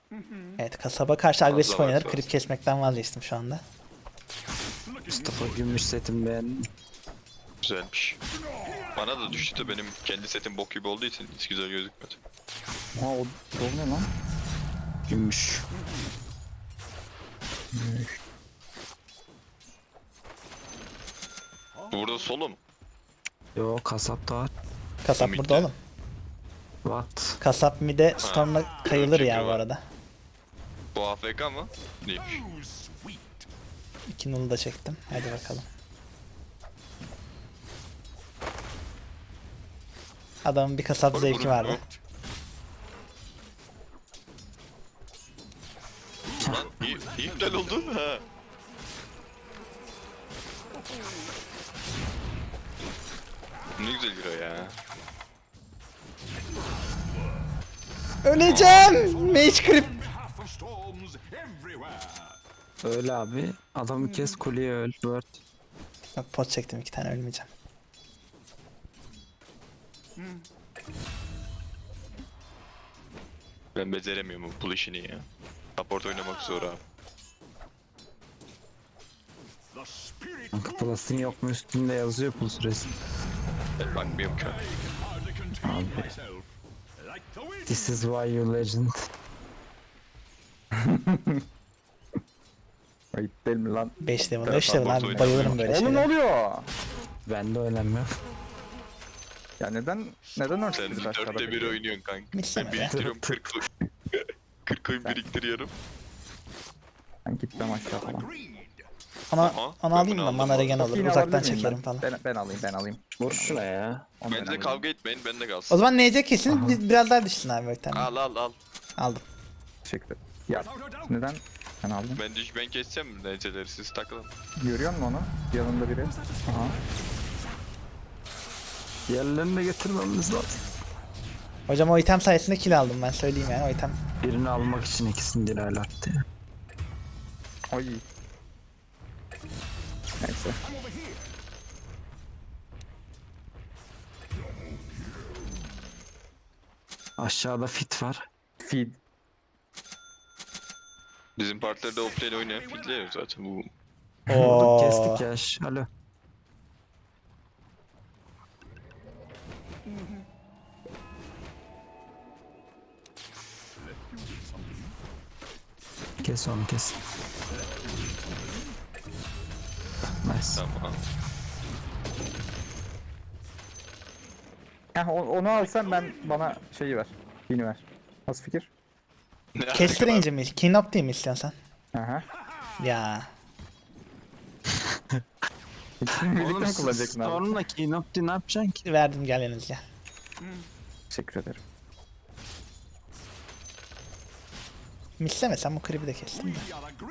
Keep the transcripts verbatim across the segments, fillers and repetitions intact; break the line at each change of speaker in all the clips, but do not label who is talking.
Evet, kasaba karşı agresif
Fazla
oynanır.
var,
Creep kesmekten vazgeçtim şu anda.
Mustafa Gümüş setim beğendim.
Güzelmiş. Bana da düştü de benim kendi setim bok gibi olduğu için hiç güzel gözükmedi.
Ha o, o ne lan?
Gümüş.
Burada solo mu?
Yo kasap da var.
Kasap
Mid'de.
burada oğlum.
What?
Kasap mide Storm'la kayılır ya
çünkü
bu
var.
arada.
Bu A F K mı? Değilmiş.
İki nulu da çektim. Hadi bakalım. Adamın bir kasap
Vur,
zevki
vur,
vardı.
vur. Lan iyi, iyi iptal oldu. Ha. Ne güzel bir o ya.
Öleceğim! Mage Creep!
Öyle abi. Adamı kes kuleye öl. Word.
Bak pot çektim, iki tane ölmeyeceğim.
Ben beceremiyorum bu pull işini ya. Support oynamak zor abi.
Kanka plastin yok mu üstünde yazıyor pul süresi.
Ben bakmıyorum ki.
Abi. This is why you legend.
Ayıp değil mi lan?
beş level,
Evet,
beş level
support
abi,
oynuyor.
bayılırım böyle
Oğlum ne
şeylere.
oluyor?
Ben de öğrenmiyorum.
Ya neden neden
Sen
örtüştünüz aşağıda?
dörtte bir
peki?
oynuyorsun kanka.
Misleme
Ben
be.
biriktiriyorum kırk kırk oyun biriktiriyorum.
Ben gitmem aşağı falan.
Ona,
Aha,
onu
ben
alayım
bunu
da
aldım
mana
bu
regen
Çok
olur.
yine
Uzaktan
alabilir miyim
çekerim
ben?
falan.
Ben, ben alayım ben alayım.
Vur şuna ya.
Onu ben
Bence
alayım.
kavga etmeyin, bende
O
kalsın.
zaman N C kesin
Aha.
bir- biraz daha düşsün abi Ökten.
Al al al.
Aldım.
Teşekkür ederim. Ya neden sen aldın?
Ben düş ben keseceğim neceleri, siz takılın.
Görüyor musun onu? Yanında biri. Aha.
Diğerlerini de getirmemiz lazım.
Hocam o item sayesinde kill aldım, ben söyleyeyim yani o item.
Birini almak için ikisini dilayla attı ya.
Oy. Neyse.
Aşağıda fit var.
Feed.
Bizim partilerde offlane oynayan fidlerim zaten bu.
Vurduk
Oo.
kestik ya. şş, Alo. Kes onu kes. Nice.
Tamam.
Heh, o- onu alsan ben bana şeyi ver. Yeni ver. Nasıl fikir?
Ne
Kestireyince mi? Clean up değil mi istiyorsan
Aha.
Ya.
İkisini birlikte
Oğlum
mi
siz
kullanacaksın abi?
Storm'la Keynote'da ne yapacaksın ki?
Verdim, gel yanınız gel.
Teşekkür ederim.
Misleme, sen bu creep'i de kestin de.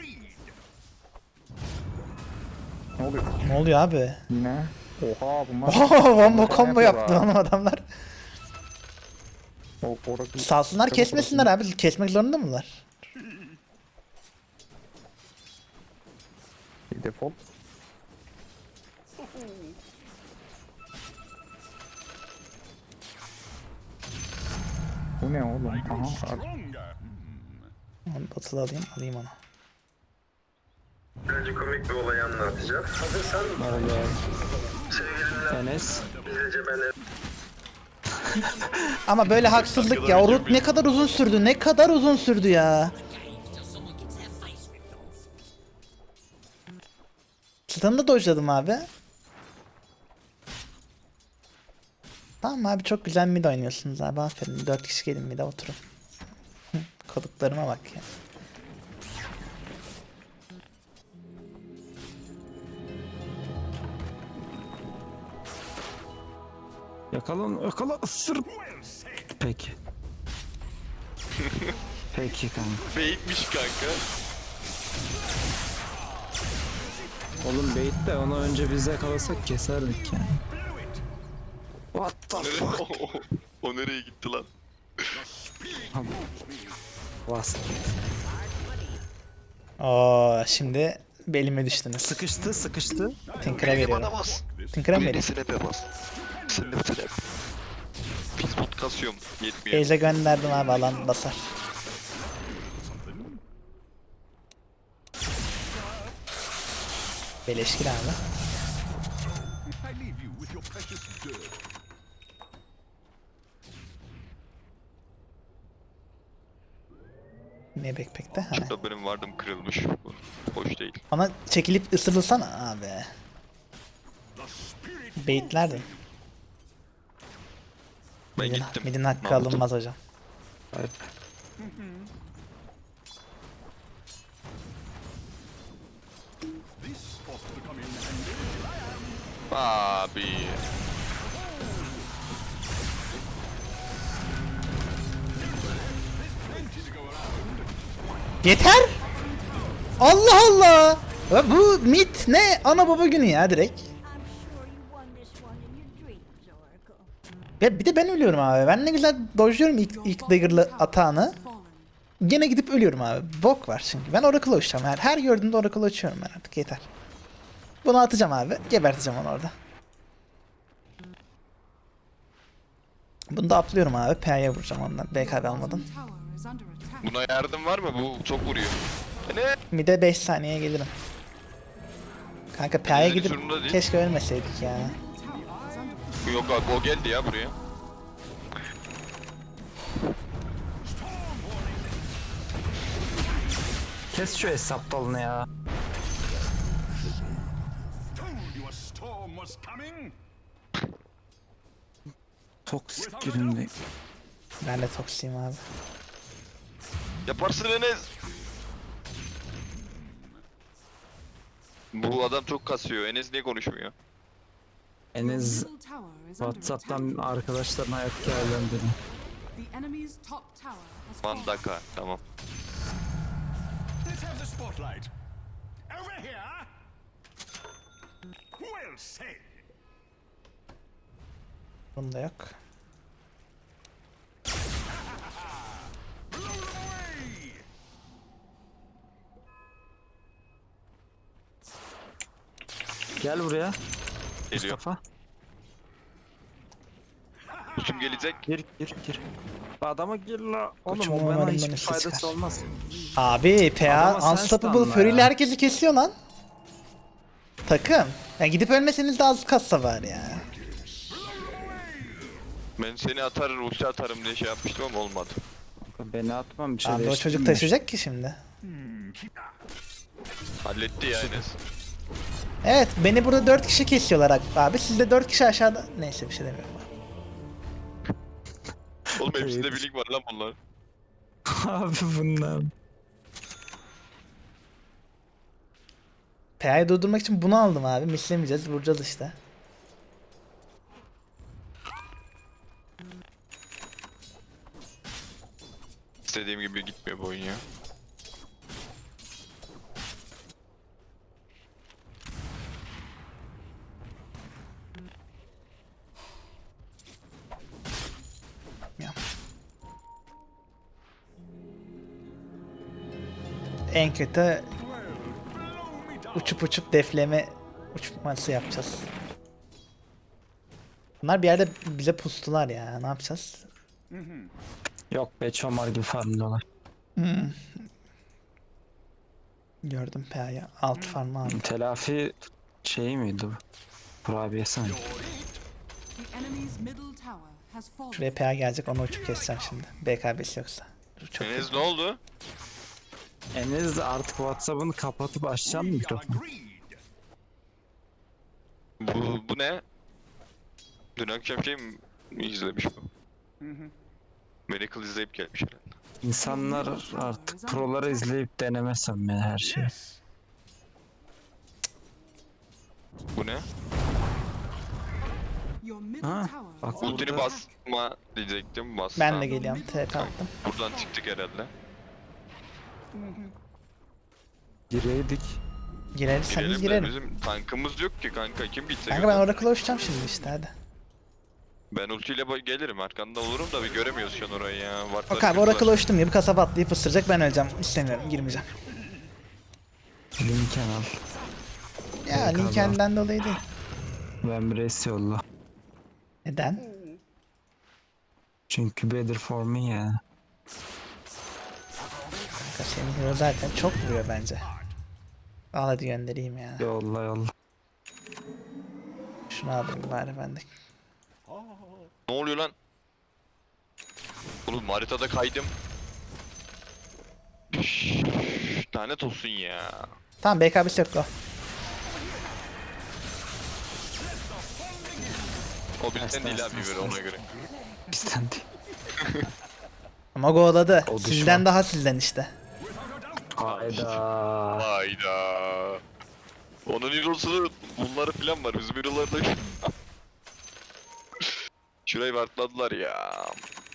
Ne oluyor?
Ne oluyor abi?
Yine. Oha bunlar.
Oho, combo
Bunlar
combo
yapıyor
yaptı
ha.
oğlum adamlar.
O, orası-
Salsınlar,
Çabuk
kesmesinler
orası.
abi. Kesmek zorunda mılar?
Bir default. Bu ne oğlum? Aha. ar-
Onu batılı alayım, alayım onu.
Önce komik bir olayı anlatacağım. Hazırsan
Öyle.
sevgilimle
Enes.
gizlice ben
Ama böyle haksızlık ya. O root ne kadar uzun sürdü, ne kadar uzun sürdü ya. Stun'ı da dodge'ladım abi. Tamam abi, çok güzel mid oynuyorsunuz abi, aferin. dört kişi gelin mid'e oturun. Hı, koduklarıma bak ya.
Yakalın, yakala, ısır. Peki. Peki kanka.
Fake'miş kanka.
Oğlum bait de onu önce biz yakalasak keserdik yani. What the
Nereye?
fuck?
O nereye gitti lan?
Bas.
Oo, şimdi belime düştünüz.
Sıkıştı, sıkıştı.
Tinker'a veriyorum.
bas.
Tinker'a mı
Beni
vereyim?
snap'e bas. Snap snap. Pis pot kasıyorum. Yetmiyor.
Beyze gönderdim abi, alan basar. Beleşkin abi. Ne backpack'te? Ha.
Şurada benim vardım kırılmış. Bu hoş değil.
Ona çekilip ısırılsana abi. Baitlerdim.
Ben
Midin,
gittim.
midin hakkı
Ne yaptım?
alınmaz hocam.
Evet.
Abi.
Yeter! Allah Allah! Ya bu mit ne? Ana baba günü ya direkt.
I'm sure you won this one in your dreams, Oracle.
Ya bir de ben ölüyorum abi. Ben ne güzel dojluyorum ilk, ilk dagger'lı atağını. Gene gidip ölüyorum abi. Bok var çünkü. Ben Oracle'ı uçacağım. Her, her gördüğümde Oracle'ı uçuyorum ben artık. Yeter. Bunu atacağım abi. Geberteceğim onu orada. Bunu da atlıyorum abi. P'ye vuracağım ondan. B K B almadan.
Buna yardım var mı? Bu çok vuruyor. E ne?
Mide beş saniyeye gelirim. Kanka P'ye
Yani
gidip
sorun da değil.
keşke ölmeseydik ya.
Yok abi o geldi ya buraya.
Kes şu hesap dalını ya. Toksik girindi.
Ben de toksiyim abi.
Yaparsın Enes. Bu adam çok kasıyor. Enes niye konuşmuyor?
Enes WhatsApp'tan arkadaşların hayat hikayelerini dedi.
Mandaka. Tamam.
Let's have the spotlight. Over here. Well said.
Bunda yok.
Blow them away.
Gel buraya
Geliyor.
Mustafa.
Kim gelecek?
Gir gir gir. Adama gir la. Oğlum
Koçum,
o bana
umarım
hiçbir
bana şey
faydası
çıkar.
olmaz.
Abi P A
Adama sen
Unstoppable
stunla
Fury ile
ya.
herkesi kesiyor lan. Takım. Ya gidip ölmeseniz de az kassa var ya.
Ben seni atar, ulti atarım diye şey yapmıştım ama olmadı.
Beni atmam bir şey
Abi o
değiştirmiyor.
çocuk taşıyacak ki şimdi.
Halletti ya Enes.
Evet beni burada dört kişi kesiyorlar abi. Siz de dört kişi aşağıda. Neyse bir şey demiyorum abi.
Oğlum hepsinde birlik var lan bunlar.
Abi bunlar.
P A'yı durdurmak için bunu aldım abi. Mislemeyeceğiz. Vuracağız işte.
İstediğim gibi gitmiyor bu oyun ya.
Ya. En kötü uçup uçup defleme uçması yapacağız. Bunlar bir yerde bize pustular ya. Ne yapacağız?
Yok be çomar gibi farmlıyorlar.
Gördüm P A'yı. Alt farmı aldım.
Telafi şeyi miydi bu? Kurabiyesi mi?
Şuraya P A gelecek. Onu uçup keseceğim şimdi. B K B'si yoksa. Dur, çok
Enes ne oldu?
Enes de artık WhatsApp'ını kapatıp açacağım mı mikrofonu?
Bu, bu ne? Dün akşam şey mi izlemiş bu? Miracle izleyip gelmiş herhalde.
İnsanlar artık proları izleyip denemesem ben her şeyi.
Yes.
Bu ne?
Ha, bak
Ultini
burada
basma diyecektim. Bas.
Ben de geliyorum. T P attım.
Buradan çıktık herhalde.
gireydik.
Girerseniz
Girelim de
girerim.
bizim tankımız yok ki kanka. Kim bitse
Kanka ben Oracle'a uçacağım şimdi işte hadi.
Ben ultiyle ba- gelirim arkanda olurum da bir göremiyoruz şu an orayı ya. Vartları
Bak abi
kırdılar.
Oracle'a uçtum ya. Bu kasaba atlayıp ısıracak. Ben öleceğim. İstemiyorum. Girmeyeceğim.
Linken al.
Ya
Yok abi.
Lincoln'den dolayı değil.
Ben bir res yolla.
Neden?
Çünkü better for me ya.
Kanka senin hero zaten çok vuruyor bence. Al hadi göndereyim ya.
Yolla yolla.
Şunu alayım bari ben de.
Ne oluyor lan? Oğlum haritada kaydım. Üş, lanet olsun ya.
Tamam B K B'si yok o.
O bizden değil abi böyle ona göre.
Bizden değil.
Ama go'ladı.
O düşman.
Sizden daha sizden işte.
Hayda.
Hayda. Onun hero'su bunları falan var. Bizim hero'larda yok. Şurayı wartladılar ya.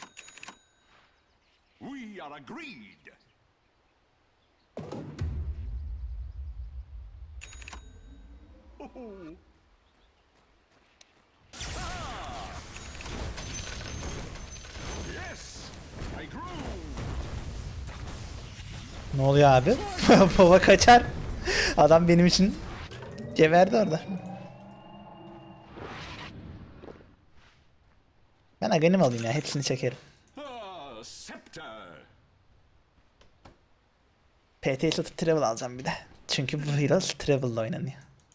We are agreed. Yes, I grew.
Ne oluyor abi? Baba kaçar. Adam benim için geberdi orada. Ben Aghanim alayım ya. Hepsini çekerim.
Ah, scepter.
P T'yi satıp Travel alacağım bir de. Çünkü bu Heroes Travel'la oynanıyor.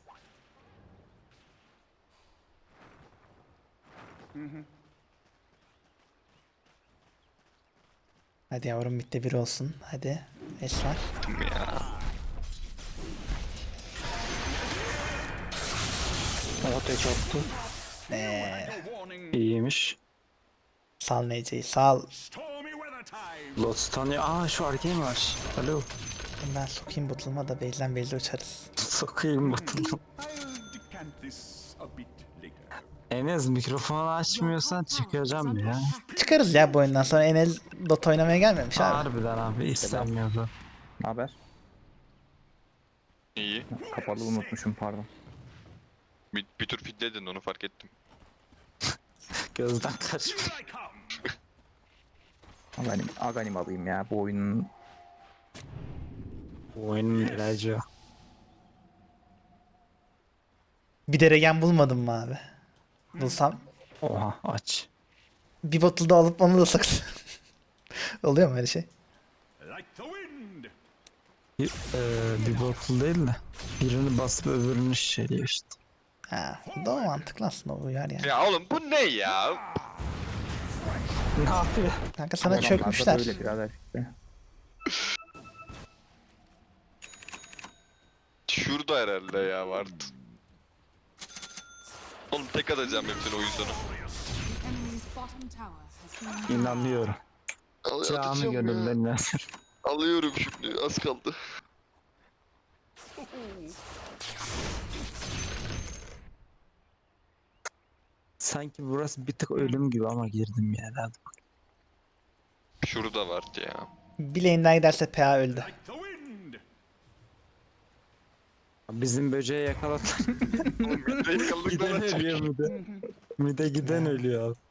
Hadi yavrum bitti bir olsun. Hadi. Esrar.
Ya.
O tek attı.
Eee,
Warning.
İyiymiş.
sal Nece'yi sal.
Stormy weather time.
Lot tanıyor. Aa şu arkaya mı var? Alo.
Ben sokayım botulma da base'den base'e uçarız.
Sokayım batırdım.
I'll decant this a bit later.
Enes mikrofonu açmıyorsan çıkacağım ya.
Çıkarız ya bu oyundan sonra. Enel Dota oynamaya gelmemiş abi.
Harbiden abi istemiyordu.
Ne haber?
İyi.
Kapalı unutmuşum pardon.
Bir, bir tur fitledin onu fark ettim.
Gözden kaçmış.
Here I come.
Aganim, Aganim alayım ya bu oyunun.
Bu oyunun ilacı.
Bir de regen bulmadım mı abi? Bulsam
Oha aç.
bir bottle da alıp onu da sakın. Oluyor mu öyle şey?
Like the wind.
Bir, eee, bir bottle değil de birini basıp öbürünü şişeliyor işte.
Ha, bu da mantıklı aslında uyar yani.
Ya oğlum bu ne ya?
Ne yapıyor?
Kanka sana
Adamlarda
çökmüşler.
Böyle birader işte.
Şurada herhalde ya vardı. Oğlum tek atacağım hepsini o yüzden.
Enemy's bottom tower has been
İnanıyorum.
Al-
Canı
atacağım ya.
gönülden.
Alıyorum şimdi az kaldı.
Sanki burası bir tık ölüm gibi ama girdim yani. Hadi bak.
Şurada vardı ya.
Bileğinden giderse P A öldü.
Like the wind.
Bizim böceği yakaladı.
Yakaladık
Giden ölüyor mide. Mide giden ölüyor abi.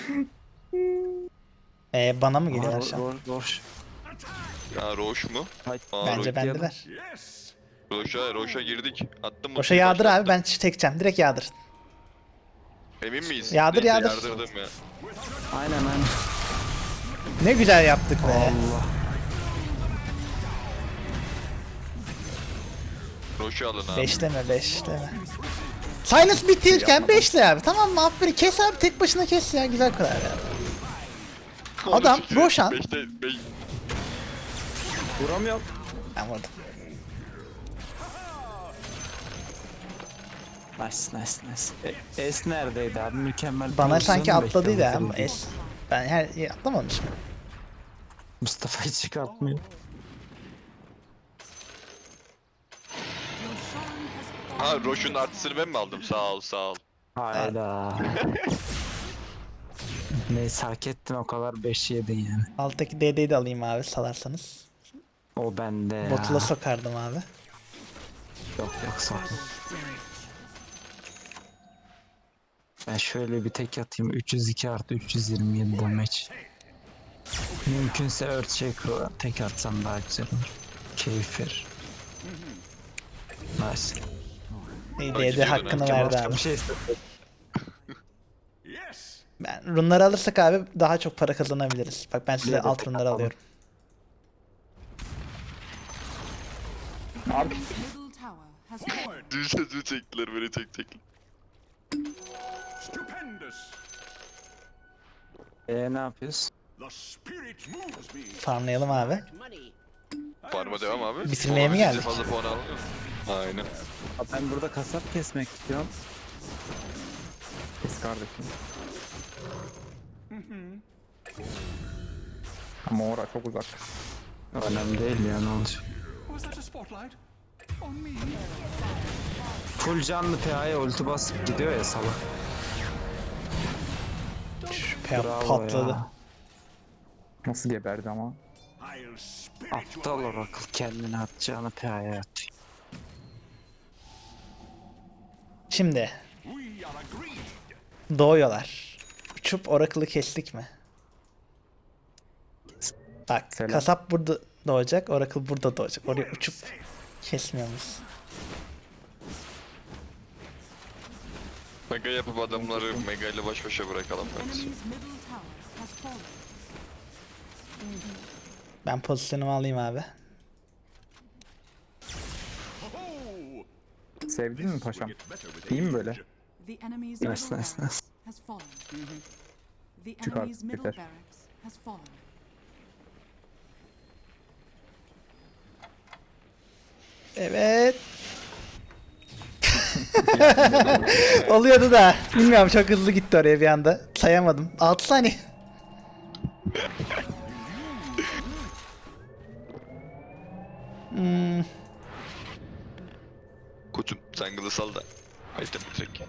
Ee, bana mı geliyor
Aa,
şu an?
Roş, roş.
Ya Roş mu?
Hay-
Aa,
Bence
Roş-
bendeler.
Yes.
Roş'a, Roş'a girdik. Attım mı?
Boşa yağdır abi ben çekeceğim. Direkt yağdır.
Emin miyiz?
Yağdır,
Neyse,
yağdır.
Yardırdım ya.
Aynen aynen.
Ne güzel yaptık be.
Allah.
Roş'u alın abi.
Beşleme beşleme. Silence bitirken beşle abi. Tamam mı? Aferin. Kes abi tek başına kes ya. Güzel karar ya. Adam Roshan.
Beşte, beş...
Vuramıyorum.
Ben vurdum.
Nice nice nice. E, Es neredeydi abi? Mükemmel.
Bana
pozisyonu
sanki atladıydı
bekliyorum
ama
seni.
es. Ben her atlamamışım.
Mustafa'yı çıkartmıyor.
your shrine has
Ha Roş'un artısını ben mi aldım? Sağ ol sağ ol.
Hayda. Neyse hak ettin o kadar beş yedin yani.
Alttaki D D'yi de alayım abi salarsanız.
O bende ya.
Botula sokardım abi.
Yok yok sokma. Ben şöyle bir tek atayım. üç yüz iki artı üç yüz yirmi yedi damage. Mümkünse Earthshaker'ı tek atsam daha güzel olur. Keyif verir. Nice.
İyi
Ay,
D D
gidiyordun
hakkını
ha.
verdi
Başka
abi.
bir şey istedim.
Yes.
Ben runları alırsak abi daha çok para kazanabiliriz. Bak ben size
Bir de
alt
tek
runları
atalım.
alıyorum.
Abi
middle tower has fallen.
Dün sözü çektiler böyle tek tek.
Stupendous.
Eee ne yapıyoruz?
The spirit moves me.
Farmlayalım abi.
Farma devam abi.
Bitirmeye mi
Olabildiğince
geldik?
fazla puan alıyor. Aynen.
Abi ben burada kasap kesmek istiyorum.
Kes kardeşim. Ama ora çok uzak.
Önemli değil ya, ne olacak.
Was that a spotlight? On me?
Full canlı P A'ya ulti basıp gidiyor ya salak.
Pe-
Bravo
patladı.
ya.
Nasıl geberdi ama.
I'll spirit
Aptal
you away.
Oracle kendini atacağını P A'ya atıyor.
Şimdi
We are agreed.
doğuyorlar. Uçup Oracle'ı kestik mi? Bak
Selam.
kasap burada doğacak, Oracle burada doğacak. Oraya uçup kesmiyor muyuz?
Mega yapıp adamları Mega ile baş başa bırakalım bence.
Enemy's middle tower has fallen.
Ben pozisyonumu alayım abi.
Oh,
Sevdin mi paşam?
get better with
İyi mi
age.
böyle?
The enemy's
Nice,
middle
nice,
barracks
nice.
has fallen. The
Çık
enemy's
artık,
middle
yeter.
barracks has fallen.
Evet. Oluyordu da. Bilmiyorum çok hızlı gitti oraya bir anda. Sayamadım. altı saniye. Hmm,
Koçum sen kılı sal da. Haydi bitirek.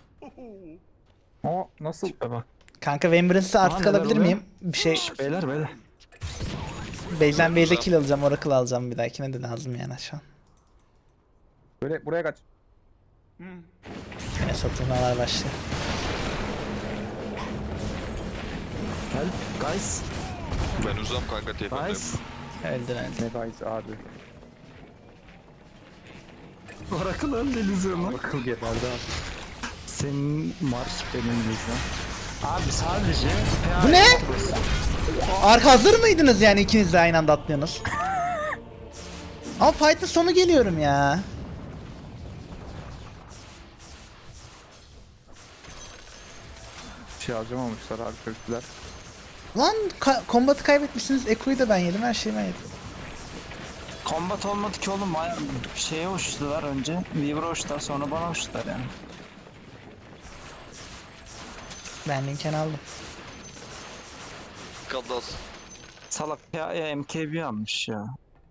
O nasıl?
Tipe bak.
kanka Remembrance artık
neler
alabilir
oluyor?
miyim? Bir şey.
Şş, beyler beyler.
Base'den base'e kill alacağım. Oracle alacağım bir dahakine de lazım yani şu an.
Böyle buraya kaç.
Yine satılmalar başlıyor.
Help guys.
Ben uzam kanka tepemde.
Nice.
Öldün öldün.
Ne guys abi.
Oracle öldü illüzyonu.
Akıl geberdi abi.
Senin marş benim illüzyon. Abi sadece P A'ya
Bu ne?
basın.
Arka hazır mıydınız yani ikiniz de aynı anda atlıyorsunuz? Ama fight'ın sonu geliyorum ya.
Bir şey harcamamışlar abi kötüler.
Lan ka- kombatı kaybetmişsiniz. Eko'yu da ben yedim. Her şeyi ben yedim.
Combat olmadı ki oğlum, bayağı şeye uçtular önce. Weaver'a uçtular, sonra bana uçtular yani.
Ben Lincoln aldım.
Kaldas.
Salak P A'ya M K B almış ya.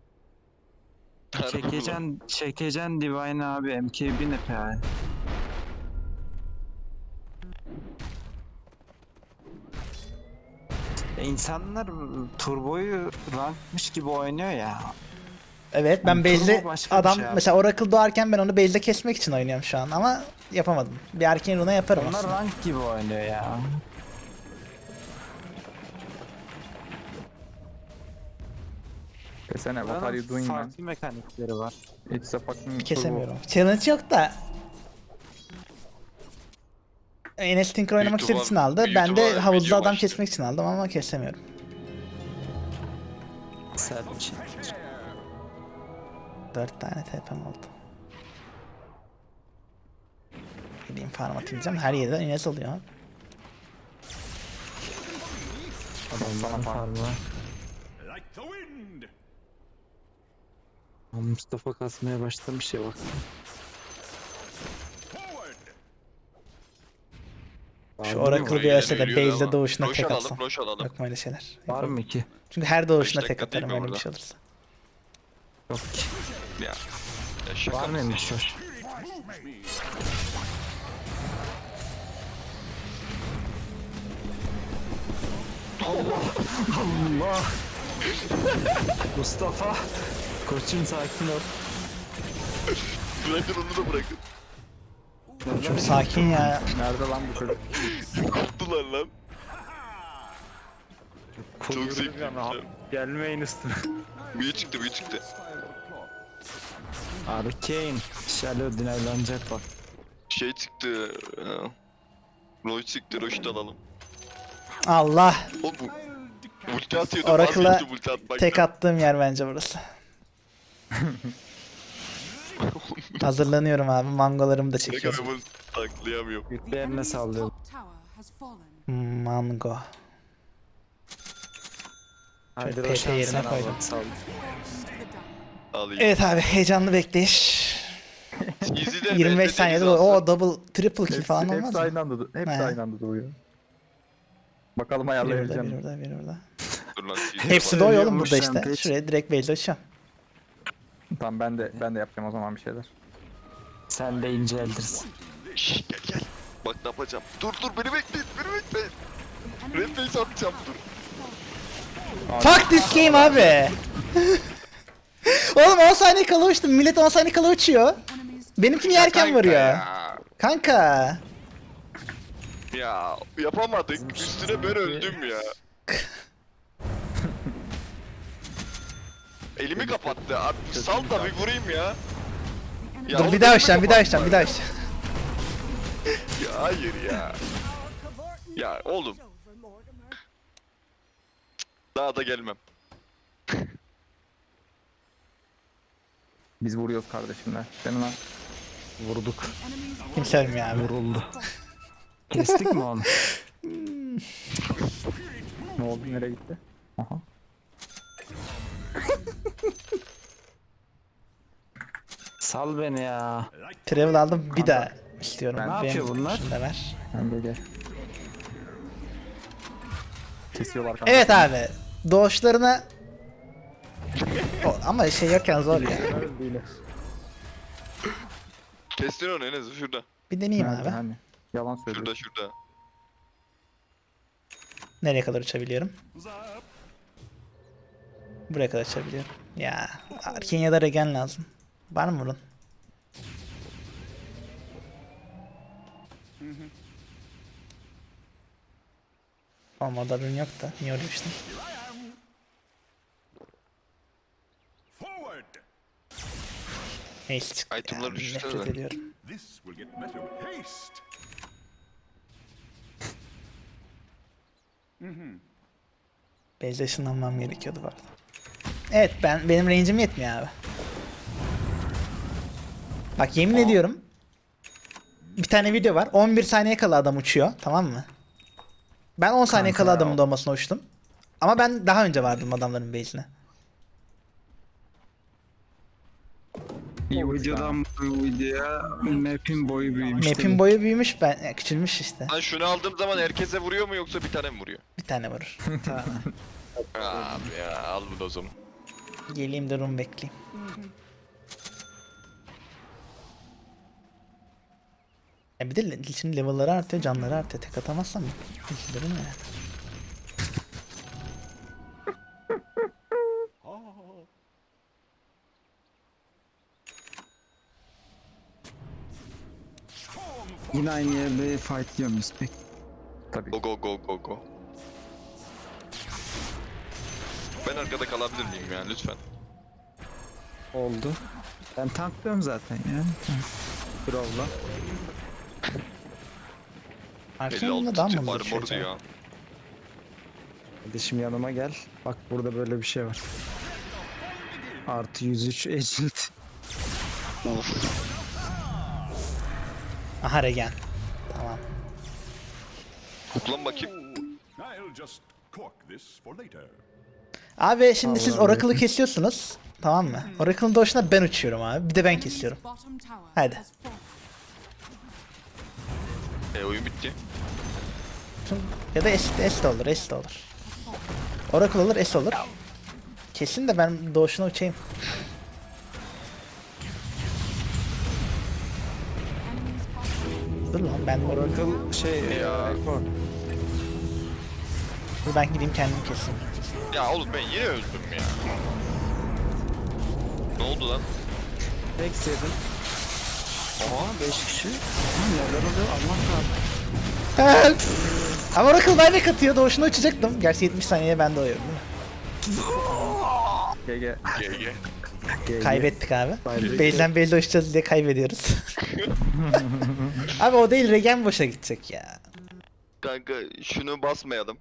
Çekecen, çekecen Divine abi, M K B ne P A'ya? E, İnsanlar turboyu rankmış gibi oynuyor ya.
Evet ben
Turbo
base'de
başka bir
adam
şey abi.
mesela Oracle doğarken ben onu base'de kesmek için oynuyorum şu an ama yapamadım. Bir erken runa yaparım
Onlar
aslında.
rank gibi oynuyor ya.
Desene what are you doing man?
Farklı mekanikleri var.
It's a fucking
Kesemiyorum. Challenge yok da. Enes Tinker oynamak
Büyük
istediği için
ihtimal-
aldı.
büyük
Ben de
ihtimal
havuzda
video
adam
başladı.
kesmek için aldım ama kesemiyorum.
Sert bir şey.
dört tane T P'm oldu. Gideyim farm atacağım. Her yerden Enes oluyor.
Adamların farmı var.
Like the wind.
Mustafa kasmaya başlamış ya bak.
Forward.
Şu
Var mı?
Oracle bir ölse de
Yürüyor
base'de
ama.
doğuşuna
Roş
tek
alalım,
atsam.
roş alalım.
Yok mu öyle şeyler?
Var mı ki?
Çünkü her doğuşuna
Beş
tek
dakika değil
atarım
mi
öyle bir
orada?
şey olursa.
Yok ki.
Ya. Ya şaka
Var
mısın?
mıymış hoş?
Moves me.
Allah! Mustafa! Koçum sakin ol.
Bırakın onu da bırakın.
Çok sakin ya.
Nerede lan bu çocuk?
Koptular lan. Çok zevkli.
Gelmeyin üstüne.
Büyü çıktı büyü çıktı.
Arcane. Shallow dinlenecek bak.
Şey çıktı. ya. Roy çıktı. Roş'u da alalım.
Allah.
O bu. Ulti atıyordu.
Oracle'a
vazgeçti ulti atmaktan.
tek attığım yer bence burası. Hazırlanıyorum abi. Mangolarımı da
Ne
çekiyorum.
kadar bunu taklayamıyorum.
The
Yüklerine
enemy's
sallıyor.
top tower has fallen.
Mango.
Haydi
P P
Roşan
yerine
sen
koydum.
al, sal.
Fallen to the dire.
Alayım.
Evet abi heyecanlı bekleyiş.
Easy'de
yirmi beş
B'de
saniyede
deniz
o
altı.
double triple kill
Hepsi,
falan olmaz
hepsi
mı?
aynı anda, du- hepsi
He.
aynı anda duruyor. Bakalım
Biri burada,
ayarlayabileceğim
biri
mi?
burada, biri burada.
Dur lan, Easy'de
Hepsi
bak.
de o oğlum
Ölüyormuş
burada işte.
Rampage.
Şuraya direkt base açacağım.
Tamam ben de ben de yapacağım o zaman bir şeyler.
Sen de inceldirsin.
Şşş, gel gel. Bak ne yapacağım. Dur dur beni bekleyin. Beni bekleyin. Red base atacağım dur.
Fuck this game abi. Oğlum on saniye kala uçtum. Millet on saniye kala uçuyor.
Enemies
Benimkini yerken
Kanka
vuruyor.
Ya.
Kanka.
ya yapamadık. Üstüne ben öldüm ya. Elimi kapattı. Abi sal da bir vurayım ya. Ya
Dur
oğlum
bir daha
elimi
uçacağım, bir daha
kapattı.
uçacağım, bir daha uçacağım.
Ya hayır ya. Ya oğlum
Over, Mortimer.
daha da gelmem.
Biz vuruyoruz kardeşimler. Değil mi lan?
Vurduk.
enemies
Kimse ölmüyor abi.
Vuruldu. Kestik mi onu?
Ne oldu? Nereye gitti? Aha.
Sal beni ya.
Travel aldım bir daha istiyorum.
Ne
Benim
yapıyor bunlar?
şunu da ver.
Ben de gel. Kesiyorlar kanka.
Evet abi. Doğuşlarına... O, ama şey yokken zor ya.
Kestin onu en azı şurada.
Bir deneyeyim
Nerede
abi.
hani? Yalan söylüyorsun.
Şurada şurada.
Nereye kadar uçabiliyorum? Buraya kadar uçabiliyorum. Ya Kenya'da regen lazım. Var mı bunun? Olmadı ürün yok da. Niye öyle düştüm?
Forward.
Ace çıktı
Itemları
ya.
düşünsene
Nefret
de.
ediyorum.
This will get better with haste.
Base'e ışınlanmam gerekiyordu bu arada. Evet ben benim range'im yetmiyor abi. Bak yemin ediyorum. Bir tane video var. on bir saniye kala adam uçuyor. Tamam mı? Ben on saniye
Kanka
kala
ya.
adamın doğmasına uçtum. Ama ben daha önce vardım adamların base'ine.
İyi
O
uçtu ha.
videodan bu videoya map'in boyu büyümüş.
Map'in boyu büyümüş ben ya, küçülmüş işte.
Lan şunu aldığım zaman herkese vuruyor mu yoksa bir tane mi vuruyor?
Bir tane vurur.
Abi ya al bunu o zaman.
Geleyim de room bekleyeyim. Ya bir de le- şimdi level'ları artıyor, canları artıyor. Tek atamazsam üzülürüm ya.
Yine aynı yerde fight diyor muyuz pek?
Tabii.
Go go go go go. Ben arkada kalabilir miyim yani lütfen?
Oldu. Ben tanklıyorum zaten yani. Brawl'la.
Arkane'la daha
elli
mı
altı
hızlı
armor
uçuyor
diyor.
acaba?
Kardeşim yanıma gel. Bak burada böyle bir şey var. Artı yüz üç agility.
Aha regen. Tamam.
Kuklan bakayım.
I'll just cork this for later.
Abi şimdi siz
Allah'ım.
Oracle'ı kesiyorsunuz. Tamam mı? Oracle'ın doğuşuna ben uçuyorum abi. Bir de ben
enemy's
kesiyorum.
bottom tower
Hadi.
has fallen.
E oyun bitti.
Ya da S, S de olur, S de olur. Oracle olur, S olur. Kesin de ben doğuşuna uçayım.
Enemy's bottom
Dur lan ben Oracle...
Oracle şey ya. Rekord.
Dur ben gideyim kendim keseyim.
Ya oğlum ben yine öldüm ya. Ne oldu lan?
Rex yedin. Aa beş kişi. Ha, neler oluyor Allah kahretsin.
Help! Ama Oracle buyback atıyor, doğuşuna uçacaktım. Gerçi yetmiş saniyeye ben doğuyorum değil mi?
G G.
G G.
Kaybettik abi.
Buyback.
Base'den base'e uçacağız diye kaybediyoruz. Abi o değil, regen boşa gidecek ya.
Kanka şunu basmayalım.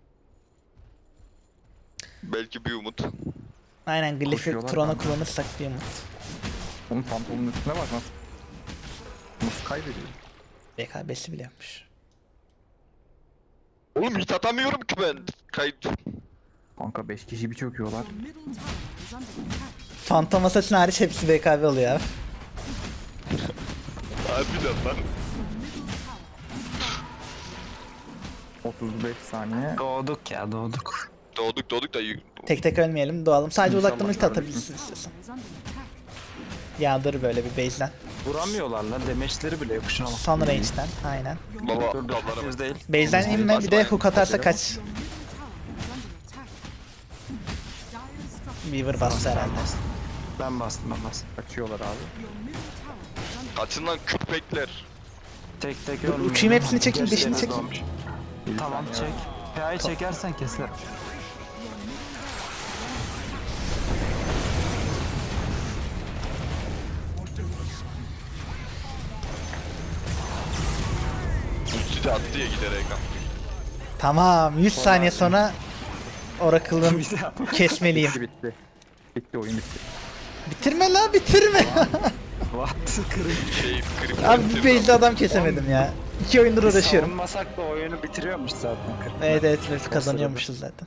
Belki bir umut.
Aynen Glyph'i
Koşuyorlar
Tron'a
kanka.
kullanırsak bir umut.
Oğlum Phantom'un üstüne bak nasıl. Nasıl kaybediyor?
B K B'si bile yapmış.
Oğlum hit atamıyorum ki ben. Kayıt.
Kanka beş kişi bir çöküyorlar.
Your middle tower is under attack.
Phantom Assassin hariç hepsi B K B oluyor abi.
Harbiden lan.
otuz beş saniye.
Doğduk ya doğduk.
Doğduk doğduk da
Tek tek ölmeyelim, doğalım. Sadece
İnşallah
uzaktan ulti
kardeşim.
atabilirsin istiyorsan.
Is under attack.
Yağdır böyle bir base'den.
Vuramıyorlar lan. Demeçleri bile yok şuna bak.
Son range'den. Aynen.
baba
Dur dur.
dallara
Yüz
bak.
değil.
Base'den inme, bir de hook atarsa kaç.
Your middle tower is under attack. Dire structure.
Weaver bastı herhalde.
Ben bastım ben bastım.
Kaçıyorlar abi.
Your middle tower is under
Kaçın lan köpekler.
Tek tek
Dur,
ölmüyor.
uçayım, hepsini çekeyim,
Gerçi
beşini
deniz
çekeyim.
doğmuş. Tamam çek. P A'yı çekersen keser.
Ulti de attı ya giderek.
Tamam, yüz saniye sonra Oracle'ın
Bir daha.
kesmeliyim.
Bitti bitti. Bitti oyun bitti.
Bitirme la, bitirme.
What? Kırık.
Şey krip.
Abi bir base'de adam kesemedim ya. İki oyundur uğraşıyorum.
Savunmasak da oyunu bitiriyormuş zaten. kırk.
Evet evet, evet kazanıyormuşuz zaten.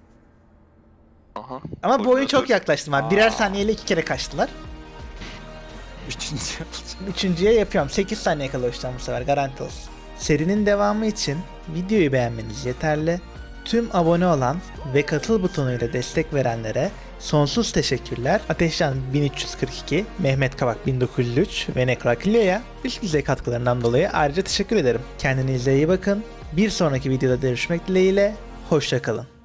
Aha.
Ama bu oyun çok
Koordinatör.
yaklaştım abi. Birer saniyeyle iki kere kaçtılar.
Üçüncü.
Üçüncüye yapıyorum. sekiz saniye kala uçacağım bu sefer, garanti olsun. Serinin devamı için videoyu beğenmeniz yeterli. Tüm abone olan ve katıl butonuyla destek verenlere sonsuz teşekkürler. Ateşcan bin üç yüz kırk iki, Mehmet Kavak bin dokuz yüz üç ve Nekrakilyo'ya üst düzey katkılarından dolayı ayrıca teşekkür ederim. Kendinize iyi bakın. Bir sonraki videoda görüşmek dileğiyle. Hoşça kalın.